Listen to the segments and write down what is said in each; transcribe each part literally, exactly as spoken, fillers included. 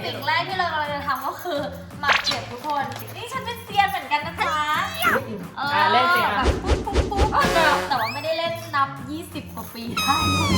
สิ่งแรกที่เรากำลังจะทำก็คือหมักเก็บทุกคนนี่ฉันเป็นเซียนเหมือนกันนะจ๊ะเออเล่นเซียนแบบปุ๊บปุ๊บปุ๊บแต่ว่าไม่ได้เล่นนับยี่สิบกว่าปีได้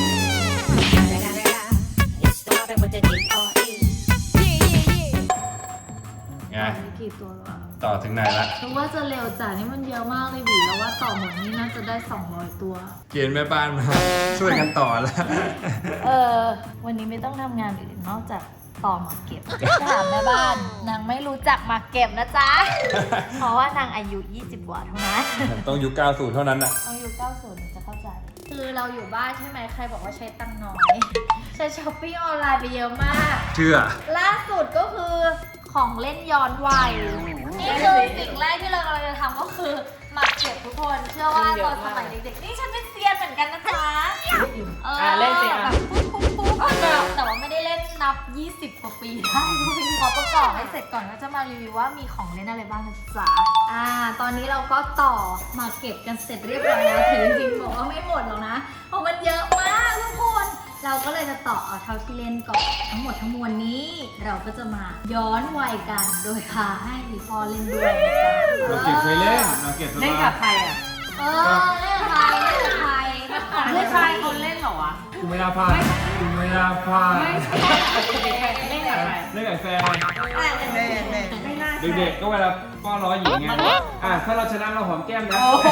ไงกี่ตัวแล้วต่อถึงไหนละรู้ว่าจะเร็วจ้ะนี่มันเยอะมากเลยบีแล้วว่าต่อหมดนี่น่าจะได้สองร้อยตัวเกณฑ์แม่บ้านมาช่วยกันต่อแล้วเออวันนี้ไม่ต้องทำงานอื่นนอกจากต่อหมากเก็บถามแม่บ้านนางไม่รู้จักหมากเก็บนะจ๊ะ เพราะว่านางอายุยี่สิบกว่าเท่านั้นต้องยุคเก้าสิบเท่านั้นน่ะต้องยุคเก้าสิบจะเข้าใจ คือเราอยู่บ้านใช่ไหมใครบอกว่าใช้ตังค์น้อย ใช้ช้อปปิ้งออนไลน์ไปเยอะมากเชื่อล่าสุดก็คือของเล่นย้อนวัยนี่คือสิ่งแรกที่เรากำลังจะทำก็คือหมักเก็บทุกคนเชื่อว่าตอนสมัยเด็กๆนี่ฉันเป็นเซียนเหมือนกันนะจ๊ะเออเล่นเซียนแบบปุ๊บปุ๊บปุ๊บแต่ว่าไม่ได้เล่นนับยี่สิบกว่าปีได้ขอประกอบให้เสร็จก่อนก็จะมารีวิวว่ามีของเล่นอะไรบ้างนะจ๊ะอ่าตอนนี้เราก็ต่อมาเก็บกันเสร็จเรียบร้อยแล้วถึงจริงๆบอกว่าไม่หมดหรอกนะเพราะมันเยอะมากทุกคนเราก็เลยจะต่อเอาเท่าที่เล่นก่อนทั้งหมดทั้งมวลนี้เราก็จะมาย้อนวัยกันโดยพาให้อีพ่อเล่นด้วยนะจ๊ะเราเก็บเคยเล่นเราเก็บเล่นกับใครอ่ะเออเล่นกับใครเล่นกับใครเล่นใครคนเล่นเหรอวะกูไม่น่าพลาดกูไม่น่าพลาดเล่นกับใครเล่นกับแฟนไม่น่าเด็กๆก็เวลาป้อนล้อหญิงไงอ่ะถ้าเราชนะเราหอมแก้มนะโอ้โห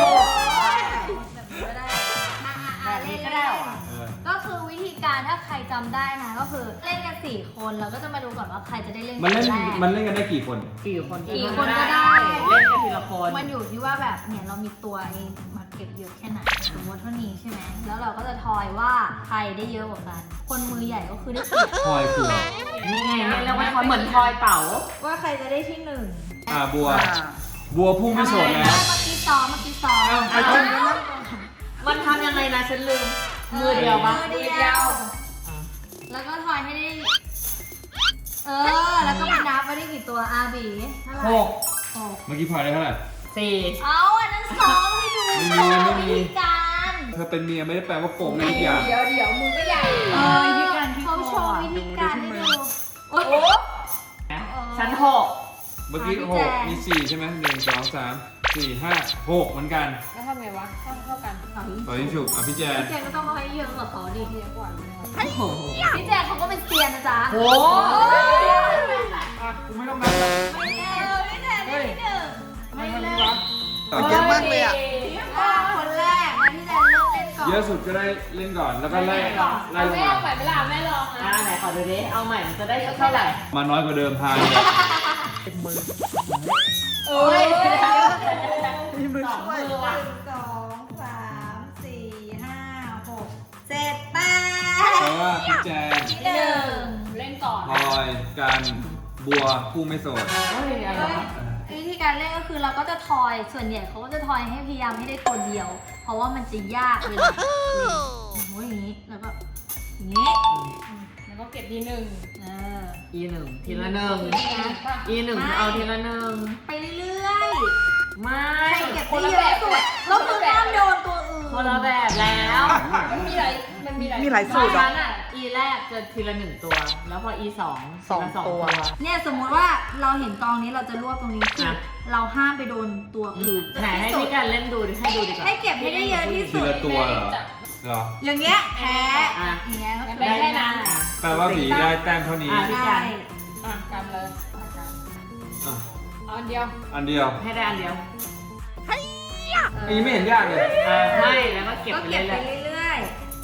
แบบนี้ก็ได้เหรอเออก็คือวิธีการถ้าใครจำได้นะก็คือเล่นกันสี่คนเราก็จะมาดูก่อนว่าใครจะได้เล่นมันเล่นคแรกมันเล่นกันได้กี่คนกี่คนกี่คนก็ได้เล่นกันทีละคนมันอยู่ที่ว่าแบบเนี่ยเรามีตัวเองมาเก็บเยอะแค่ไหนสมมติเท่านี้ใช่ไหมแล้วเราก็จะทอยว่าใครได้เยอะกว่ากันคนมือใหญ่ก็คือได้เปรียบทอยคือนี่ไงเล่นแล้วมันเหมือนทอยเต๋าว่าใครจะได้ที่หนึ่งอ่าบัว บัวพุ่งไม่โสดแล้วเมื่อกี้ซ้อมเมื่อกี้ซ้อมอ้าวไปชนกันแล้วมันทำยังไงนะฉันลืม มือเดียวปะมือเดียว แล้วก็ทอยให้ได้ เออ แล้วก็ไปนับว่าได้กี่ตัวอาบีเท่าไหร่หกหกเมื่อกี้พลอยได้เท่าไหร่สี่เอาอันนั้นซ้อมให้ดูไม่มีซ้อไม่มีวิธีการเธอเป็นเมียไม่ได้แปลว่าโกงในทุกอย่างเดี๋ยวเดี๋ยวมือก็ใหญ่เออวิธีการที่เขาโชว์วิธีการให้ดูโอ้โหชั้นหกเมื่อกี้อ่ะพี่หแจกงมีสี่ใช่ไหมหนึ่งสองสามสี่ห้าหกเหมือนกันแล้วทำไงวะเท่าเท่ากันต่อที่ฉุกอ่ะพี่แจนพี่แจนก็ต้องเอาให้เยอะกว่าเขาดิเยอะกว่าเลยโอ้โหพี่แจนเขาก็เป็นเซียนนะจ๊ะโอ้อ่ะกูไม่ต้องนับแล้วไม่แน่พี่แจนได้ที่หนึ่งไม่เล่นต่อเยอะมากเลยอ่ะอ่ะคนแรกนะพี่แจนเลือกเล่นก่อนเยอะสุดก็ได้เล่นก่อนแล้วก็ไล่ไล่ลงแม่มาเอาไปเวลาแม่ลองอ่านะไหนขอดูดิเอาใหม่มันจะได้เท่าไหร่มาน้อยกว่าเดิมพาเลยโอ้ยมีมือสองช่วยมือว่ะสองสามสี่ห้าหกเจ็ดแปเพราะว่าพี่แจนที่หนึ่งเล่นก่อนพลอยกันบัวผู้ไม่โสดเฮ้ยอะไรวะวิธีการเล่นก็คือเราก็จะทอยส่วนใหญ่เขาก็จะทอยให้พยายามให้ได้ตัวเดียว เพราะว่ามันจะยากเวลาเล่นโอ้โหอย่างนี้แล้วก็อย่างนี้แล้วก็เก็บทีหนึ่งเอออีหนึ่งทีละหนึ่งอีหนึ่งเอาทีละหนึ่งไปเรื่อยไม่ๆใครเก็บได้เยอะสุดแล้วคือห้ามโดนตัวอื่นคนละแบบแล้วมันมีหลายมันมีหลายมีหลายตสูอนตรอ่ะนั้นอ่ะ อีแรกจะทีละหนึ่งตัว แล้วพอ อีสองสองทีละตัวเนี่ยสมมุติว่าเราเห็นกองนี้เราจะรวบตรงนี้คือเราห้ามไปโดนตัวอื่นไหนให้พี่กันเล่นดูดิให้ดูดีกว่าให้เก็บให้ได้เยอะที่ทีสุดละตัวเหรอเหรออย่างเงี้ยแพ้อ่ะอย่างเงี้ยก็คือได้แค่นั้นแปลว่าผีได้แต้มเท่านี้อ่ะใช่อ่ะกำเลยอ่ะเอาอันเดียวอันเดียวให้ได้อันเดียวอันนี้ไม่เห็นยากเลยอ่ะไม่แล้วก็เก็บก็ไปเก็บเรื่ไปอยเรื่อย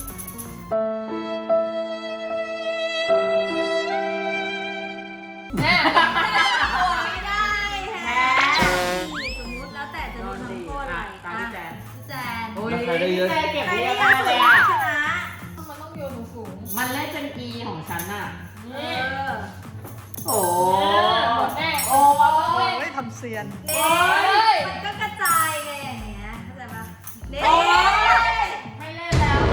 ๆแม่ไม่ได้แพ้สมมุติแล้วแต่จะๆโดนทำโทษอะไรตามพี่แจนพี่แจนโอ้ยแล้วใครได้เยอะพี่แจนเก็บใครเยได้อะเยมาอะกสุเลดยอ่ะชนะมันต้องโยนสูงมันเล่นเป็น E ของฉันอ่ะเอนี่อโอ้หมดแม่โอ้โอ้ยยทำเซียนเด็กมันก็กระจายไงอย่างเงี้ยเข้าใจปะเด็กไม่เล่นแล้ว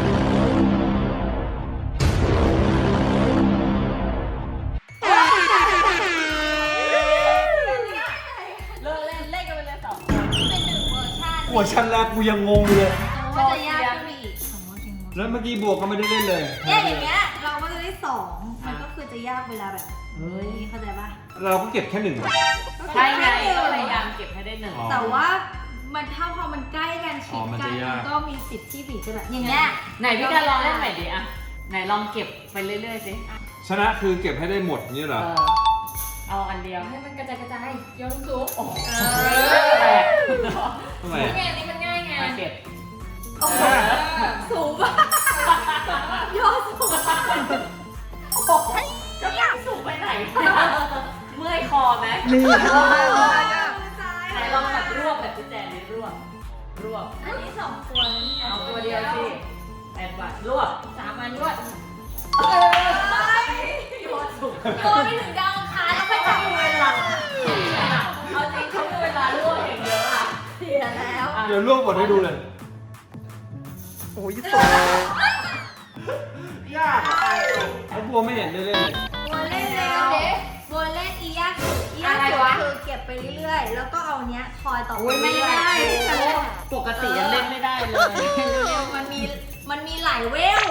เลิกเล่นเล่นกันไปเลยสองเป็นหนึ่งเวอร์ชันหัวชั้นแรกกูยังงงอยู่เลยมันก็จะยากขึ้นไปอีกสมมติจริงแล้วเมื่อกี้บัวก็ไม่ได้เล่นเลยเนี่ยอย่างเงี้ยเราก็จะได้สองมันก็คือจะยากเวลาแบบเฮ้ยนี้เข้าใจปะเราก็เก็บแค่หนึ่งใช่ไงก็พยายามเก็บให้ได้หนึ่งอ๋อแต่ว่ามันถ้าพอมันใกล้กันชิอ๋ดอมันกัจะนยากมันก็มีสิทธิ์ที่บีจะแบบอย่างเงี้ยไหนพี่การลองเล่นใหม่ดิอะไหนลองเก็บไปเรื่อยๆสิชนะคือเก็บให้ได้หมดนี่เหรเอออเอาอันเดียวให้มันกระจายกระจายโยนสูงโอ้โหเอแปอดทำไมนี่ไงนี่มันง่ายไงมาเก็บโอ้โหสูงมากโยนสูงมากจะอยากสูงไปไหน เมื่อยคอไหมนี่ไหนลองแบบรวบแบบพี่แจนนี่รวบ รวบอันนี้สองตัวนะเนี่ยเอาตัวเดียวสิแปดบาทรวบสามอันรวดเอ้ยโยนสูงโยนไปถึงดาวอังคารแล้วไปจับเวลาเอาจริงเขามีเวลารวบอย่างเยอะอะเสียแล้วเดี๋ยวลวกบทให้ดูเลยโอ้ยสูงยากเขาบัวไม่เห็นได้เล่นเลยบัวเล่นแล้วบัวเล่นอียากสุดอียากสุดคือเก็บไปเรื่อยๆ แล้วก็เอาเนี้ยคอยต่อไปโอ้ยไม่เรื่อยได้ๆปกติยังเล่นไม่ได้เลยเร็วๆมันมีมันมีหลายเวล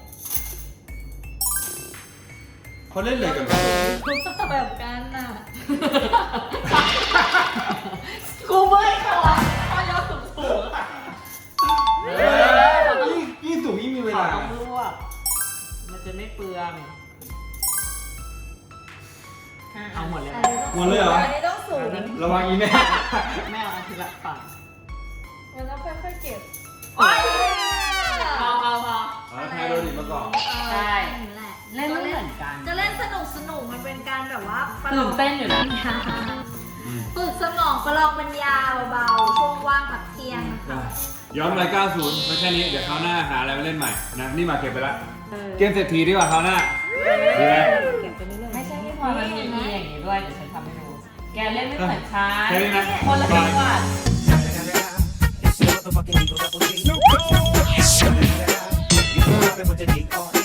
เขาเล่นเลยกันแบบกันน่ะกูเมื่อยคอคอยกสูงสูงเออยิ่งยิ่งสูงยิ่งมีเวขอลาต้องรวบมันจะไม่เปลืองเอาหมดเลยอันนะนี้ต้องหมดเลยเหรออันนี้ต้องสูงระวังอีแม่แม่เอาอันทีละฝั่งมันต้องค่อยๆเก็บโอ้ยพอพอพอเอาไทยโดนิมาก่อนใช่นี่แหละเล่นไม่เหมือนกันจะเล่นสนุกสนุกมันเป็นการแบบว่าประลตื่องนเต้นอยู่นะอืมฝึกสมองประลองปัญญาเบาๆช่วงว่างพักเที่ยงนะคะย้อนไปเก้าสิบไม่แค่นี้ เดี๋ยวคราวหน้าหาอะไรมาเล่นใหม่นะ นี่มาเก็บไปละเออเกมเศรษฐีดีกว่าคราวหน้าดีไหมเก็บไปเรื่อยๆไม่ใช่ที่พลอยมันมีมีอย่างนี้ด้วยเดี๋ยวฉันทำให้ดู แกเล่นไม่เหมือนฉันแค่นี้นะคนละจังหวัด It's the motherfucking Eagle Double G. You know, I've been with the D R.